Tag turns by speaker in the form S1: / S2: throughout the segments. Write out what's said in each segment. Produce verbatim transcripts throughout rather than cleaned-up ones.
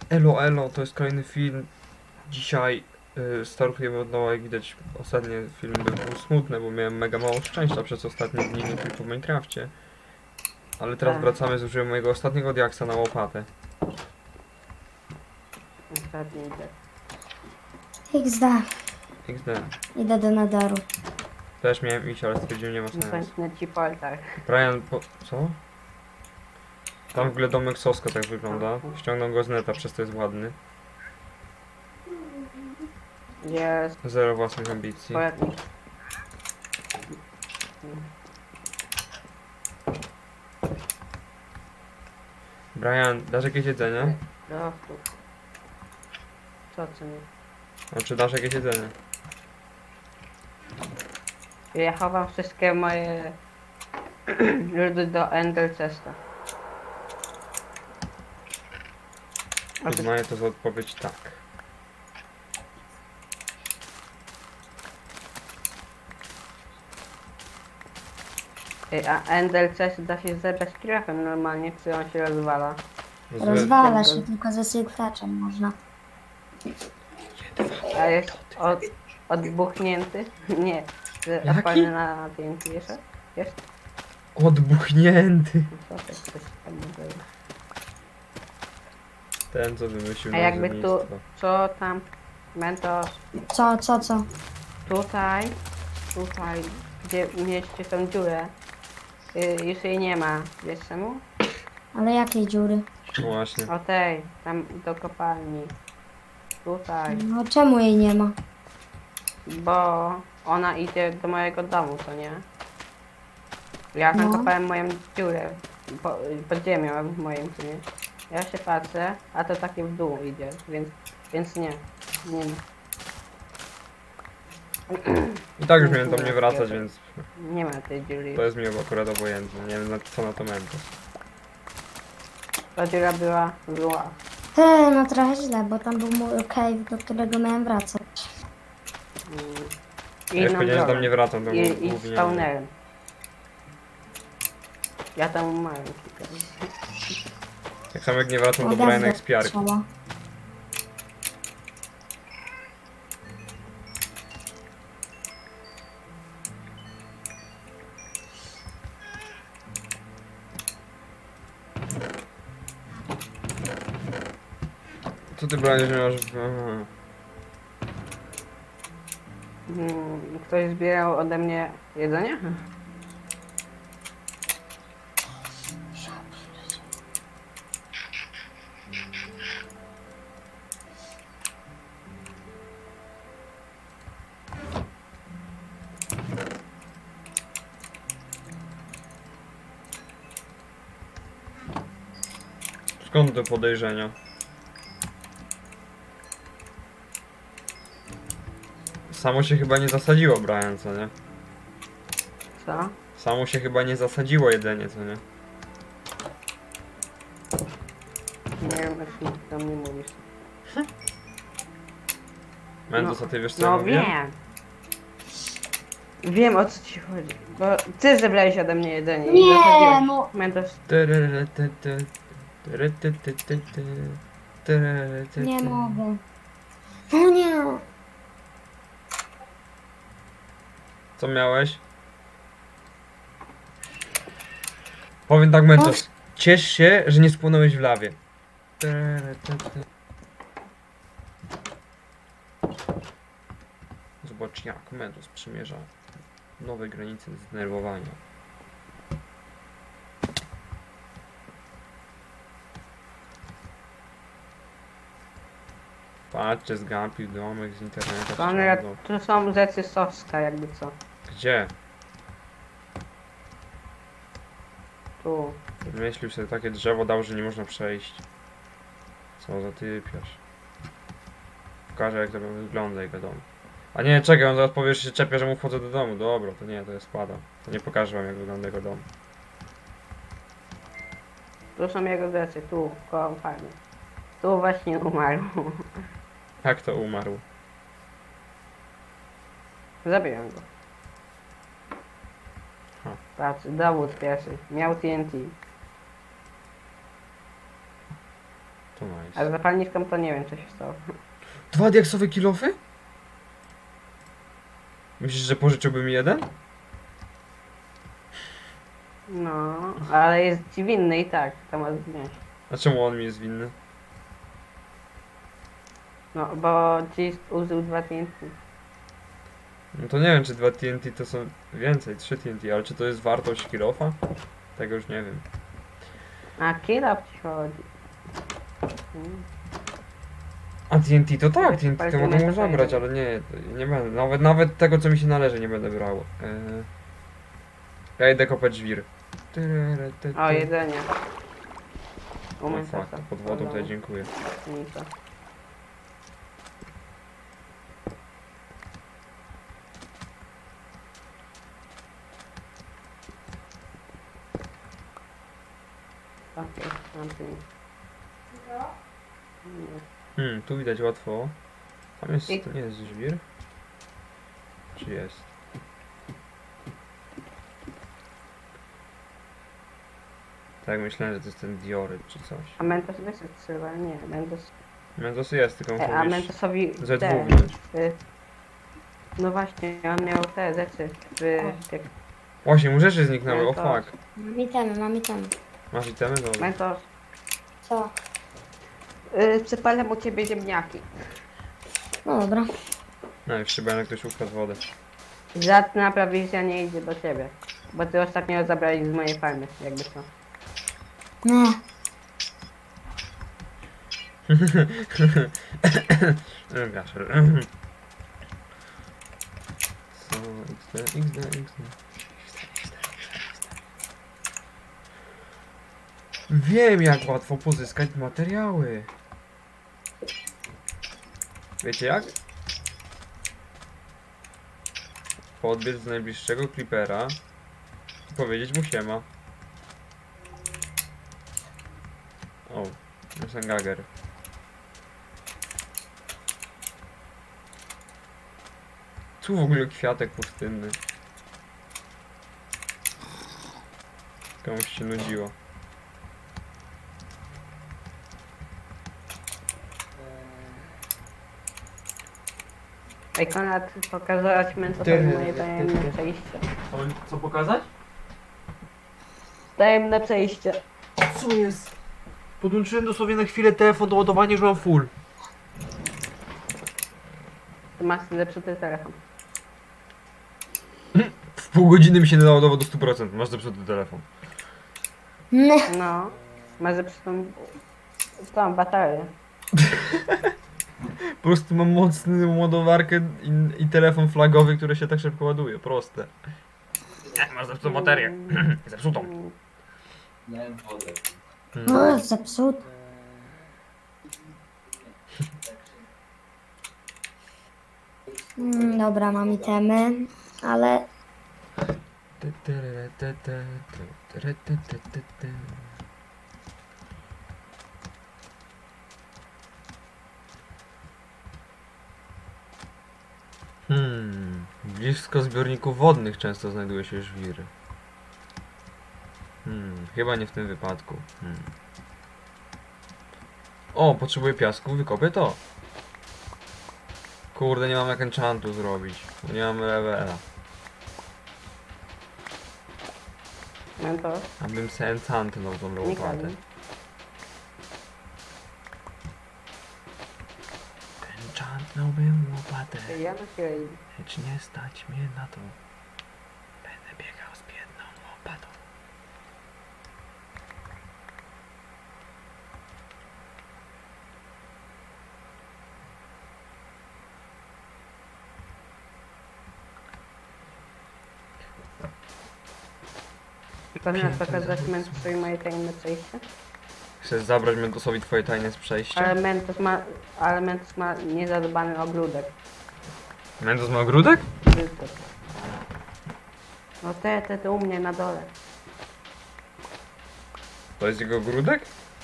S1: Elo, elo, to jest kolejny film. Dzisiaj y, startujemy od nowa. Jak widać, ostatni film był, był smutny, bo miałem mega mało szczęścia przez ostatnie dni, nie tylko w Minecrafcie. Ale teraz
S2: Tak.
S1: wracamy, zużyłem mojego ostatniego diaksa na łopatę.
S2: Ostatni idę.
S3: iks de.
S1: iks de.
S3: Idę do nadaru.
S1: Też miałem iść, ale stwierdziłem, nie ma sensu.
S2: Kończę ci portal.
S1: Brian, po... co? Tam w ogóle domek Soska tak wygląda. Ściągnął go z neta, przez to jest ładny.
S2: Jest
S1: Zero własnych ambicji.
S2: poradnik.
S1: Brian, dasz jakieś jedzenie?
S2: No, tu. Co co nie?
S1: Znaczy, dasz jakieś jedzenie?
S2: Ja chowam wszystkie moje ludy do Ender Chesta. A ty-
S1: Uznaję to za odpowiedź tak.
S2: Ej, A Ender Chest da się zebrać krafem normalnie, czy on się rozwala?
S1: Z...
S3: Rozwala się, tylko ze syklaczem można.
S2: A jest od, odbuchnięty? Nie. z-
S1: Jaki?
S2: Odpalny na T N T jeszcze? Jest?
S1: Odbuchnięty.
S2: No co, to coś tam może jest.
S1: Ten, co wymyślił
S2: A jakby tu,
S1: nazewnictwo.
S2: co tam, Mentos,
S3: Co, co, co?
S2: tutaj, tutaj, gdzie mieliście tą dziurę, y, już jej nie ma, wiesz czemu?
S3: Ale jakiej dziury?
S1: No właśnie.
S2: O tej, tam do kopalni, tutaj,
S3: No czemu jej nie ma?
S2: bo ona idzie do mojego domu, co nie? Ja tam
S3: No.
S2: kopałem moją dziurę, po, pod ziemią w moim, co nie? Ja się patrzę, a to takie w dół idzie, więc, więc nie, nie ma.
S1: I tak już miałem tam nie wracać, więc
S2: Nie ma tej dziury.
S1: to jest mi akurat obojętne. Nie wiem na co na to Mentos.
S2: Ta dziura była zła.
S3: He, no trochę źle, bo tam był mój cave, do którego miałem wracać.
S2: Mm.
S1: Ja już powiedziałem, że tam nie wracam, to
S2: I, i
S1: głównie...
S2: spawnerem. Ja tam umarłem kilka razy.
S1: Tak samo jak nie wracam do
S3: Ogarnę
S1: Briana Expiarki.
S3: trzeba.
S1: Co ty Brian, że masz... Aha.
S2: Mm, Ktoś zbierał ode mnie jedzenie?
S1: Skąd te podejrzenia? Samo się chyba nie zasadziło, Brian, co nie?
S2: Co?
S1: Samo się chyba nie zasadziło jedzenie, co nie?
S2: Nie wiem, o czym ty tam nie mówisz.
S1: Mentos,
S2: No,
S1: a ty wiesz co ja
S2: No
S1: mówię?
S2: wiem. Wiem, o co ci chodzi. Bo ty zebrałeś ode mnie jedzenie i
S3: Nie,
S2: zasadziłeś.
S3: no.
S2: Mentos,
S3: Nie mogę. O nie.
S1: Co miałeś? Powiem tak, Mentos. Ciesz się, że nie spłonąłeś w lawie. Zobacz jak Mentos przymierza nowe granice zdenerwowania. Patrzcie, zgapił domek z internetu.
S2: Konrad,
S1: ściągnął.
S2: tu są rzeczy Soska, jakby co.
S1: Gdzie?
S2: Tu.
S1: Wymyślił sobie takie drzewo, dał, że nie można przejść. Co za typiarz. Pokażę jak to wygląda jego dom. A nie, czekaj, on zaraz powie, że się czepia, że mu wchodzę do domu. Dobra, to nie, to ja spadam. To nie pokażę wam jak wygląda jego dom.
S2: Tu są jego rzeczy, tu, koło farmy. Tu właśnie umarł.
S1: Jak to umarł?
S2: Zabiłem go.
S1: Ha.
S2: Patrz, dowód pierwszy. Miał T N T.
S1: To
S2: Ale
S1: nice.
S2: zapalniczką to nie wiem, co się stało.
S1: Dwa diaksowe kilofy? Myślisz, że pożyczyłby mi jeden?
S2: No, ale jest ci winny i tak, to ma znieść.
S1: A czemu on mi jest winny?
S2: No, bo ci użył dwa T N T.
S1: No to nie wiem, czy dwa T N T to są więcej, trzy T N T, ale czy to jest wartość kilofa? Tego już nie wiem.
S2: A killa ci chodzi. Mm.
S1: A T N T to tak, T N T to
S2: Palcem
S1: mogę
S2: jest
S1: mu
S2: to
S1: zabrać,
S2: jeden.
S1: ale nie, to nie będę. Nawet, nawet tego, co mi się należy, nie będę brał. Eee... Ja idę kopać żwir.
S2: O, jedzenie.
S1: O
S2: Umiem
S1: fuck, to pod wodą tutaj dziękuję.
S2: Nic. Okej, mam tu nic. Nie.
S1: Hmm, tu widać łatwo. Tam jest,
S2: I-
S1: to nie jest żwir? Czy jest? Tak, myślałem, że to jest ten dioryt czy coś.
S2: A Mentos wyszedł trzeba, nie, Mentos...
S1: Mentos jest, tylko
S2: E,
S1: muszę
S2: a
S1: mieć
S2: Mentosowi
S1: ze
S2: te,
S1: dwóch wziąć.
S2: y, no właśnie, on miał te rzeczy w... jak
S1: Właśnie, mu rzeczy zniknęły, o
S2: Mentos.
S1: fuck.
S3: Mam itemy, mam itemy.
S1: Masz itemy? Dobra.
S2: Mentos,
S3: Co?
S2: y, przypalam u ciebie ziemniaki.
S3: No dobra.
S1: No i chyba jak ktoś ukradł wodę.
S2: Żadna prowizja nie idzie do ciebie. Bo ty ostatnio zabrałeś z mojej farmy, jakby co.
S3: Nie.
S1: Gaszer. Co? X D, X D, X D. Wiem, jak łatwo pozyskać materiały. Wiecie jak? Podbiec do najbliższego creepera i powiedzieć mu siema. O, Sengager. Tu w ogóle kwiatek pustynny. Komuś się nudziło.
S2: Ej, Konrad, pokazać Mentosowi
S1: Ty-
S2: moje tajemne przejście.
S1: Co, co pokazać?
S2: Tajemne przejście.
S1: Co jest? Podłączyłem dosłownie na chwilę telefon do ładowania, już mam full.
S2: Ty masz zepsuty telefon.
S1: W pół godziny mi się naładował do stu procent. Masz zepsuty telefon.
S3: Nie.
S2: No, masz zepsutą... tą baterię.
S1: Po prostu mam mocną ładowarkę i, i telefon flagowy, który się tak szybko ładuje. Proste. Nie, masz zepsutą baterię. Zepsutą.
S2: Mm,
S4: Miałem wodę.
S3: No, zepsuty. Mm, dobra, mam itemy, ale
S1: Hmm, blisko zbiorników wodnych często znajduje się żwiry. Hmm, chyba nie w tym wypadku. Hmm. O, potrzebuję piasku, wykopię to. Kurde, nie mam jak enchantu zrobić. bo Nie mam levela.
S2: Mentos,
S1: Abym se enchantnął tą
S2: nie
S1: łopatę.
S2: kradnij.
S1: Enchantnąłbym łopatę,
S2: Ja na siłę idę.
S1: lecz nie stać mnie na to. Będę biegał z biedną łopatą.
S2: Konrad, pokazać Mentosowi moje tajemne przejście.
S1: Chcesz zabrać Mentosowi twoje tajne z przejścia?
S2: Ale Mentos ma... ale Mentos ma niezadbany ogródek.
S1: Mentos ma ogródek?
S2: Brzydko. No te, te, te u mnie na dole.
S1: To jest jego ogródek?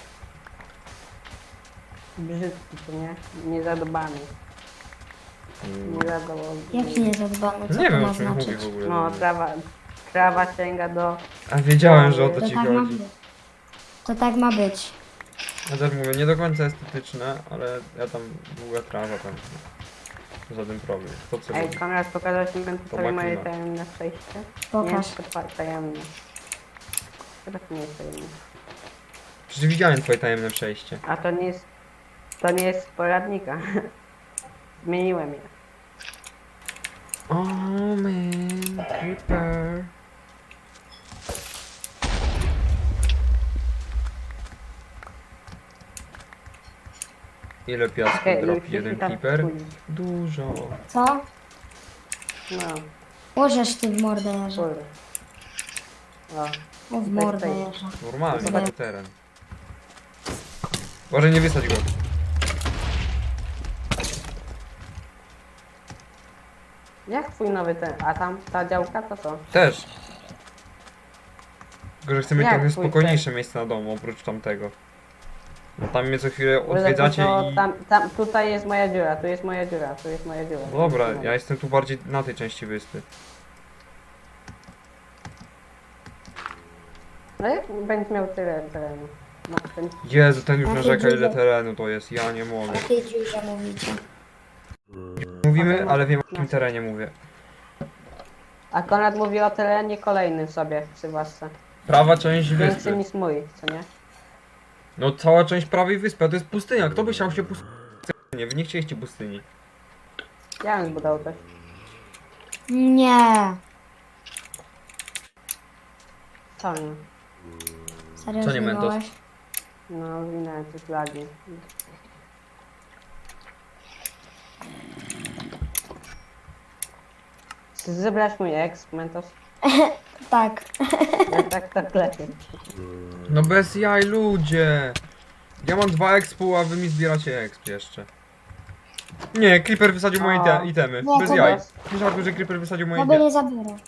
S2: Brzydki, to nie? Niezadbany.
S1: Mm.
S2: Niezadowolony.
S3: jaki niezadbany, co
S1: Nie
S3: to
S1: wiem
S3: ma
S1: o czym mówi
S3: znaczyć?
S1: w ogóle.
S2: No, trawa, trawa sięga do...
S1: A wiedziałem, że o to
S3: To
S1: ci
S3: tak ma
S1: chodzi.
S3: być. To tak ma być.
S1: Ja też mówię, nie do końca estetyczne, ale ja tam długa trawa tam. Żaden problem. To co
S2: Ej,
S1: lubię.
S2: Konrad, pokazać mi
S1: To
S2: sobie moje
S1: makina.
S2: tajemne przejście?
S3: Pokaż.
S2: Nie, to ta- tajemne. Chyba to nie jest tajemne.
S1: Przecież widziałem twoje tajemne przejście.
S2: A to nie jest... To nie jest z poradnika. Zmieniłem je.
S1: Oh man, creeper. Ile piasku
S2: Okej,
S1: dropi
S2: już
S1: jeden
S2: się tam
S1: creeper?
S2: wchodzi.
S1: Dużo.
S3: Co?
S2: No,
S3: Łożesz ty w mordę jeża.
S2: kurde. O,
S3: O, w
S2: Bez
S3: mordę
S2: tej.
S3: jeża.
S1: Normalny
S3: Nie.
S1: taki teren. Może nie wysadź go.
S2: jak twój nowy ten... A tam ta działka to co?
S1: Też. Tylko, że chcę mieć
S2: Jak
S1: trochę
S2: twój
S1: spokojniejsze miejsce na domu, oprócz tamtego. No tam mnie co chwilę
S2: Bo za
S1: odwiedzacie
S2: to
S1: i...
S2: Tam, tam, tutaj jest moja dziura, tu jest moja dziura, tu jest moja dziura.
S1: Dobra, ja jestem tu bardziej na tej części wyspy.
S2: No jak będziesz miał tyle terenu? No, ten...
S1: Jezu, ten już
S3: Jakie
S1: narzeka ile
S3: dziwne.
S1: terenu to jest, ja nie mogę.
S3: O jakiej dziurze mówicie?
S1: Mówimy,
S2: Okej,
S1: ale wiem o
S2: no.
S1: jakim terenie mówię.
S2: A Konrad mówi o terenie kolejnym sobie przy własce.
S1: Prawa część
S2: Większy
S1: wyspy.
S2: niż mój, co nie?
S1: No cała część prawej wyspy, a to jest pustynia. Kto by chciał się pustyni? Wy nie chcieliście pustyni.
S2: Ja bym zbudował coś.
S3: Nie.
S2: Co nie?
S3: Serio
S1: Co nie, Mentos?
S3: zginąłeś?
S2: No, winę, coś lagi. Czy zebrać mój exp, Mentos?
S3: Tak.
S2: Ja tak, tak lepiej.
S1: No bez jaj, ludzie! Ja mam dwa expu, a wy mi zbieracie exp jeszcze. Nie, Creeper wysadził moje
S2: O.
S1: ite itemy.
S3: Nie,
S1: Bez
S3: to
S1: jaj.
S2: bez.
S1: Słyszałem, że Creeper wysadził moje
S3: No by
S1: itemy.
S3: nie zabierał.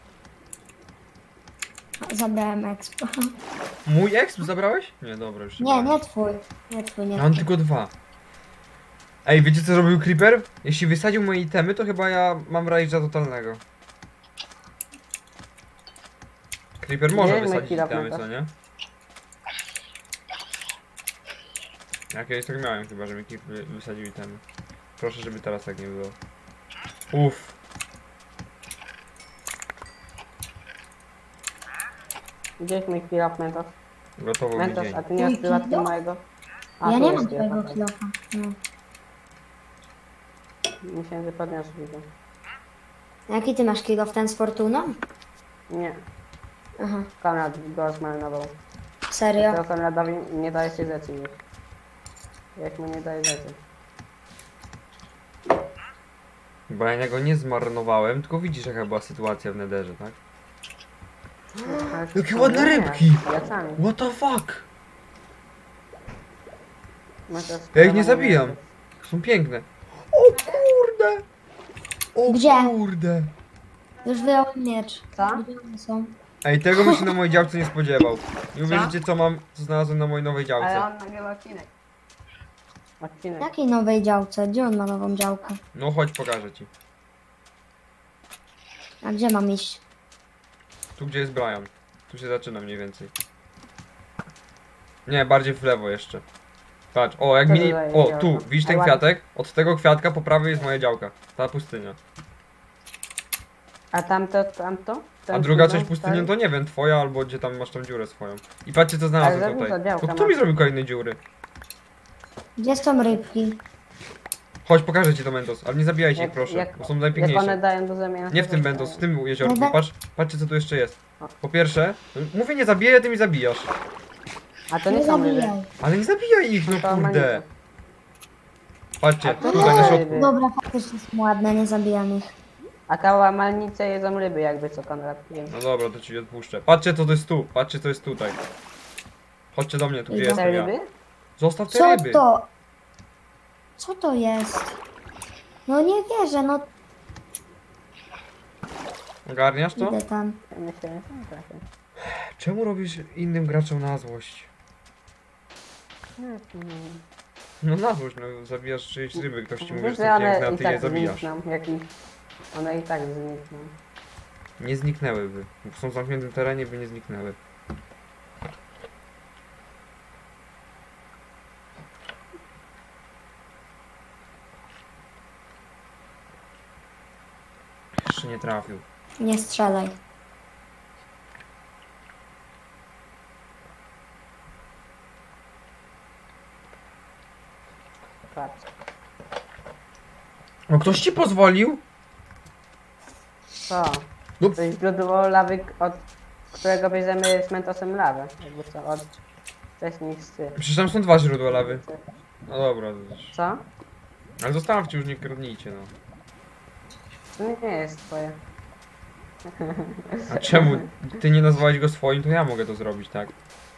S3: Zabrałem expo.
S1: Mój exp zabrałeś? Nie, dobra, już
S3: Nie,
S1: mam.
S3: nie twój. Nie twój, nie
S1: Ja mam
S3: twój.
S1: tylko dwa. Ej, wiecie co zrobił Creeper? Jeśli wysadził moje itemy, to chyba ja mam rage'a totalnego. Creeper może
S2: Nie,
S1: wysadzić
S2: Mekira
S1: itemy,
S2: pamiętasz?
S1: co nie? Ja kiedyś tak miałem chyba, że mi Creeper wysadził itemy. Proszę, żeby teraz tak nie było. Uff.
S2: Gdzieś mój kill Mentos?
S1: Gotowo mi
S2: Mentos,
S1: dzień.
S2: a ty nie masz
S3: Mój
S2: prywatnie
S3: kill?
S2: mojego? A,
S3: Ja
S2: tu
S3: nie
S2: jest
S3: mam
S2: kill
S3: twojego
S2: off.
S3: kilofa. No.
S2: Myślałem, że podniosę widzę.
S3: Jaki ty masz kilof? Ten z Fortuną?
S2: Nie,
S3: Aha.
S2: Konrad go zmarnował.
S3: Serio?
S2: To Konradowi nie daje się rzeczy już. Jak mu nie daje rzeczy.
S1: Bo ja go nie zmarnowałem, tylko widzisz jaka była sytuacja w Netherze, tak?
S2: Ale
S1: Jakie
S2: to
S1: ładne
S2: nie,
S1: rybki!
S2: Plecami.
S1: What the fuck?
S2: Mentos,
S1: Ja ich nie
S2: Konrad
S1: zabijam. Są piękne. O kurde! O
S3: Gdzie?
S1: kurde!
S3: Już wyjąłem miecz.
S2: Co?
S3: Gdzie one są?
S1: Ej, tego bym się na mojej działce nie spodziewał. Nie
S2: Co?
S1: uwierzycie co mam, co znalazłem na mojej nowej
S2: Ale
S1: działce.
S2: on nagrywa odcinek. Odcinek.
S3: Jakiej nowej działce? Gdzie on ma nową działkę?
S1: No chodź, pokażę ci.
S3: A gdzie mam iść?
S1: Tu gdzie jest Brian. Tu się zaczyna mniej więcej. Nie, bardziej w lewo jeszcze. Patrz, o jak
S2: Co
S1: mini...
S2: to za
S1: O,
S2: działka?
S1: tu, widzisz ten
S2: Ale-
S1: kwiatek? Od tego kwiatka po prawej jest moja działka. Ta pustynia.
S2: A tamto, tamto?
S1: A
S2: Ten
S1: druga
S2: chwilą,
S1: część pustyni
S2: tak?
S1: to nie wiem, twoja albo gdzie tam masz tą dziurę swoją. I patrzcie co
S2: Ale
S1: znalazłem
S2: za dużo
S1: tutaj.
S2: działka
S1: To kto mi
S2: masz.
S1: zrobił kolejne dziury?
S3: Gdzie są rybki?
S1: Chodź, pokażę ci to Mentos, ale nie zabijajcie ich
S2: Jak-
S1: proszę,
S2: jak-
S1: bo są
S2: Jak one
S1: najpiękniejsze.
S2: dają do zamiany.
S1: Nie w tym Mentos, w tym jeziorku.
S3: Dobra.
S1: Patrz, patrzcie co tu jeszcze jest. Po pierwsze, mówię nie zabiję, ty mi zabijasz.
S2: A to
S3: Nie
S2: nie są ryby.
S3: zabijaj.
S1: Ale nie zabijaj ich, no
S2: To
S1: kurde.
S2: manice.
S1: Patrzcie,
S2: A to
S1: tutaj na
S2: nie
S1: środku.
S2: ryby.
S3: Dobra, faktycznie są ładne, nie zabijam ich.
S2: A te łamalnice jedzą ryby jakby co Konrad. Wiem.
S1: No dobra, to ci odpuszczę. Patrzcie co to jest tu, patrzcie co jest tutaj. Chodźcie do mnie, tu gdzie
S3: Idę.
S2: Te
S1: jestem ja.
S2: ryby?
S1: Zostaw te
S3: Co
S1: ryby.
S3: to? Co to jest? No nie wierzę, no
S1: Ogarniasz to?
S3: idę tam.
S2: Ja myślę, że są takie.
S1: Czemu robisz innym graczom na złość?
S2: Hmm.
S1: No na złość, no zabijasz czyjeś ryby, ktoś ci mówi, że
S2: Wiesz,
S1: są
S2: że one
S1: piękne, a
S2: i
S1: ty je
S2: tak
S1: zabijasz.
S2: znikną, jak ich... One i tak znikną.
S1: Nie zniknęłyby. Są w zamkniętym terenie, by nie zniknęły. jeszcze nie trafił.
S3: Nie strzelaj.
S2: Patrz.
S1: No ktoś ci pozwolił?
S2: Co?
S1: No,
S2: To jest źródło lawy, od którego bierzemy z mentosem lawę. Jakby co, od wcześniejszych.
S1: przecież tam są dwa źródła lawy. No dobra, to już-
S2: Co?
S1: ale zostawcie, już nie kradnijcie, no.
S2: To nie jest twoje.
S1: A czemu? Ty nie nazwałeś go swoim, to ja mogę to zrobić, tak?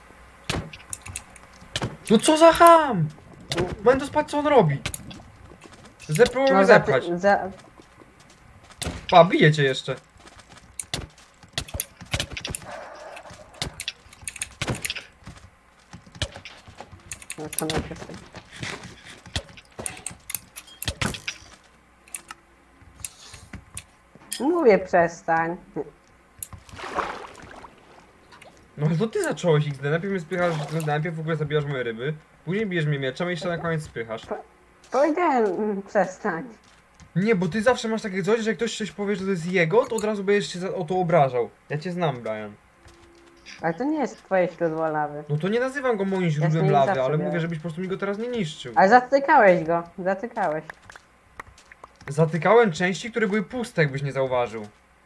S1: No co za ham! Będę spać, co on robi? Zepnął
S2: No
S1: mnie
S2: za,
S1: zepchać.
S2: za,
S1: Pa, bije cię jeszcze.
S2: no to najpierw tak. Mówię przestań.
S1: No ale to ty zacząłeś X D, najpierw mnie spychasz, no, najpierw w ogóle zabijasz moje ryby, później bijesz mnie mieczem i jeszcze na koniec spychasz.
S2: Powiedziałem mm, przestań.
S1: Nie, bo ty zawsze masz takie coś, że jak ktoś coś powie, że to jest jego, to od razu będziesz się za, o to obrażał. Ja cię znam, Brian.
S2: Ale to nie jest twoje źródło lawy.
S1: No to nie nazywam go moim
S2: z
S1: źródłem
S2: nim
S1: lawy,
S2: zawsze
S1: ale
S2: miałem.
S1: mówię, żebyś po prostu mi go teraz nie niszczył.
S2: Ale zatykałeś go. Zatykałeś.
S1: Zatykałem części, które były puste, jakbyś nie zauważył.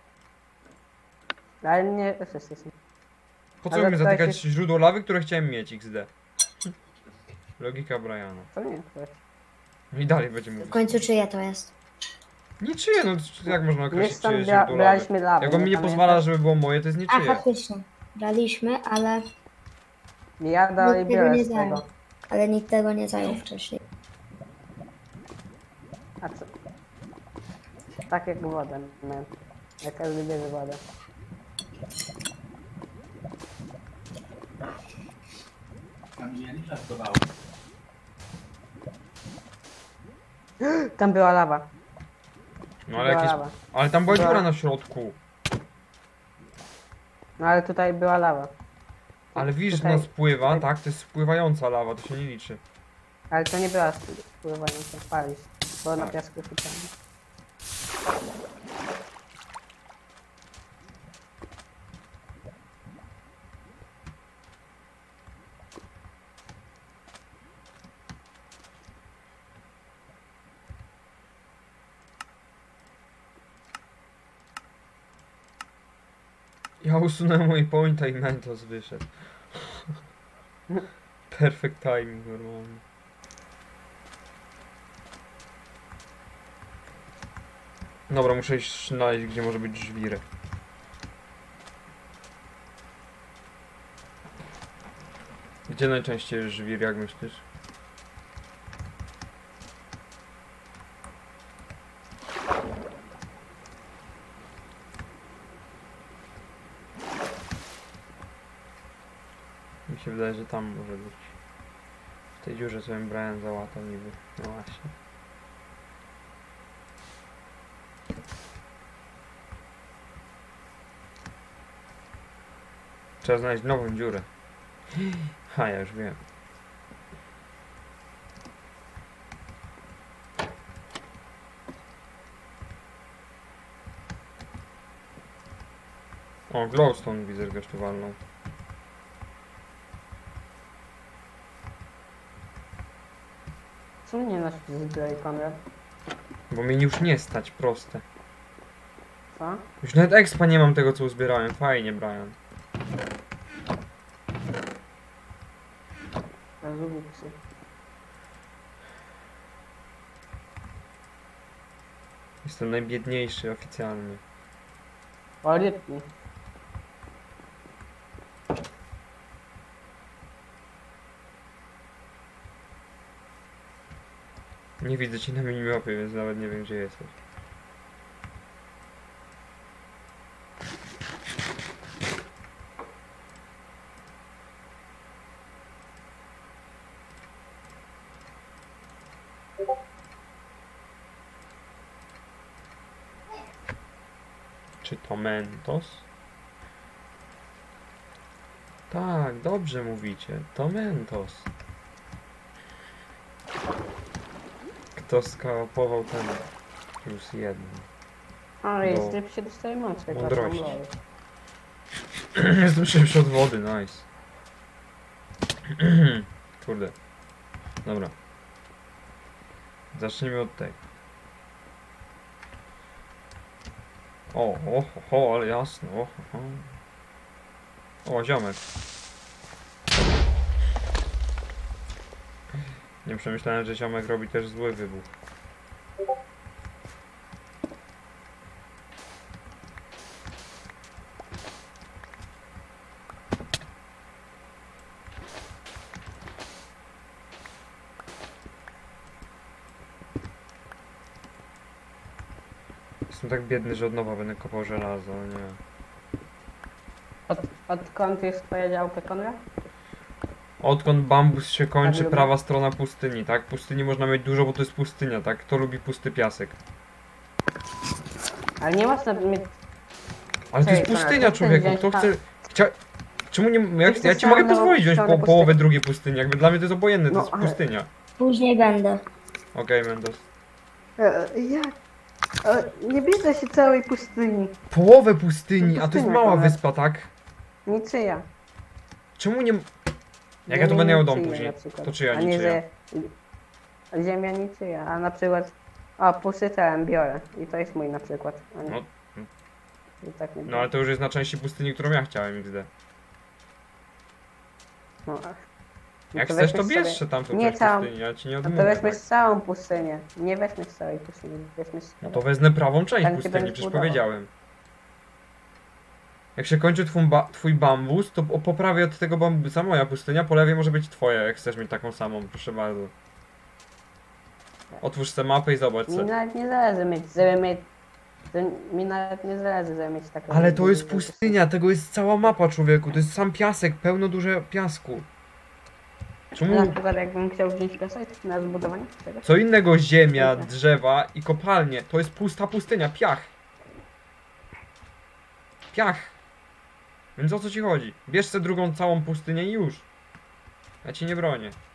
S2: Ale nie... wszyscy są.
S1: Po co
S2: Ale
S1: mi
S2: to
S1: zatykać
S2: jakieś-
S1: źródło lawy, które chciałem mieć, X D? Logika Briana.
S2: To nie twoje.
S1: No i dalej będzie
S3: W
S1: mówić.
S3: końcu czyje to jest?
S1: Niczyje, no jak można
S2: My
S1: określić
S2: tam
S1: czyjeś
S2: bra
S1: źródło lawy?
S2: braliśmy lawę.
S1: Jak on mi nie
S2: pamiętasz?
S1: pozwala, żeby było moje, to jest
S3: A,
S1: niczyje.
S3: faktycznie. Braliśmy, ale,
S2: Ja dalej
S3: Nikt tego
S2: biorę
S3: nie
S2: z
S3: zajął.
S2: tego.
S3: ale nikt tego nie zajął wcześniej.
S2: A co? Tak jak wodę. No. Jak każdy bierze wodę.
S4: Tam gdzie ja nie żartowałem.
S2: Tam była lawa.
S1: No ale
S2: była
S1: jakieś...
S2: lawa.
S1: Ale tam była
S2: Była-
S1: dziura na środku.
S2: No ale tutaj była lawa.
S1: Ale widzisz, że
S2: Tutaj-
S1: ona spływa,
S2: tutaj-
S1: tak? To jest spływająca lawa, to się nie liczy.
S2: Ale to nie była spływająca palić. Było na
S1: Tak.
S2: piasku chytane.
S1: Ja usunąłem mój pointa i Mentos wyszedł. Perfect timing normalnie. Dobra, muszę iść znaleźć, gdzie może być żwirek. Gdzie najczęściej jest żwir, jak myślisz? Mi się wydaje, że tam może być. W tej dziurze, co bym Brian załatał niby. No właśnie. Trzeba znaleźć nową dziurę. Ha, ja już wiem. O, glowstone widzę, że gościu walnął.
S2: Co mnie nosisz zbroi, Konrad?
S1: Bo mnie już nie stać, proste.
S2: Co?
S1: Już nawet expa nie mam tego, co uzbierałem. Fajnie, Brian.
S2: Rozumiem.
S1: Jestem najbiedniejszy oficjalnie.
S2: O, rybki.
S1: Nie widzę cię na minimapie, więc nawet nie wiem, gdzie jesteś. Czy to Mentos? Tak, dobrze mówicie. To Mentos. Kto skapował ten plus jeden?
S2: Ale jest
S1: Do
S2: szybciej dostaje mocy.
S1: mądrości. Jestem szybszy od wody, nice. Kurde. Dobra. Zacznijmy od tej. O, o, o, o, ale jasno. O, o. O, ziomek. Nie przemyślałem, że ziomek robi też zły wybuch. Jestem tak biedny, że od nowa będę kopał żelazo, nie.
S2: Od, odkąd jest twoja działka, Konrad?
S1: Odkąd bambus się kończy,
S2: lubię.
S1: prawa strona pustyni, tak? Pustyni można mieć dużo, bo to jest pustynia, tak? Kto lubi pusty piasek?
S2: Ale nie można mieć...
S1: Ale to jest
S2: Czekaj,
S1: pustynia,
S2: to chcesz
S1: człowieku,
S2: wziąć
S1: kto
S2: pa-
S1: chce... Chcia... Czemu nie... Ja,
S2: chcesz
S1: ja ci mogę
S2: samą
S1: pozwolić wziąć
S2: stronę
S1: po,
S2: pustyni.
S1: połowę drugiej pustyni, jakby dla mnie to jest obojętne, to
S2: No,
S1: jest
S2: ale-
S1: pustynia.
S3: Później będę.
S1: Okej, Mendos.
S2: E, jak? E, nie bierze się całej pustyni.
S1: Połowę pustyni, a to jest
S2: Pustynia,
S1: mała
S2: Konrad.
S1: wyspa, tak?
S2: Niczyja.
S1: Czemu nie... Jak
S2: Ziemia
S1: ja tu będę miał dom
S2: niczyja
S1: później,
S2: na przykład.
S1: to czyja,
S2: A nie,
S1: niczyja?
S2: że ziemia niczyja, a na przykład o, pustytę biorę i to jest mój na przykład. A nie.
S1: No,
S2: I tak nie
S1: no ale to już jest na części pustyni, którą ja chciałem, X D.
S2: no, ach. No
S1: Jak
S2: to
S1: chcesz, to
S2: weźmy
S1: bierz
S2: sobie-
S1: się tam tą
S2: Nie
S1: część
S2: całą.
S1: pustyni, ja ci nie
S2: No to
S1: odmówię,
S2: weźmy
S1: tak?
S2: całą pustynię. Nie weźmy z całej pustyni, weźmy z
S1: No to wezmę prawą część
S2: Tam się
S1: pustyni,
S2: będziesz
S1: przecież
S2: budował.
S1: powiedziałem. Jak się kończy twój, ba twój bambus, to po po prawej od tego bambusa moja pustynia, po lewej może być twoja, jak chcesz mieć taką samą, proszę bardzo. Otwórz sobie mapę i zobacz
S2: Mi
S1: co.
S2: nawet nie zależy mieć, żeby mieć... To mi nawet nie zależy, żeby mieć taką...
S1: Ale to jest pustynia, tego jest cała mapa, człowieku, to jest sam piasek, pełno dużo piasku.
S2: Na
S1: Czemu
S2: przykład jakbym chciał wziąć piasek na zbudowanie czegoś.
S1: co innego ziemia,
S2: Dobra.
S1: drzewa i kopalnie, to jest pusta pustynia, piach. Piach. Więc o co ci chodzi? Bierz sobie drugą całą pustynię i już. Ja ci nie bronię.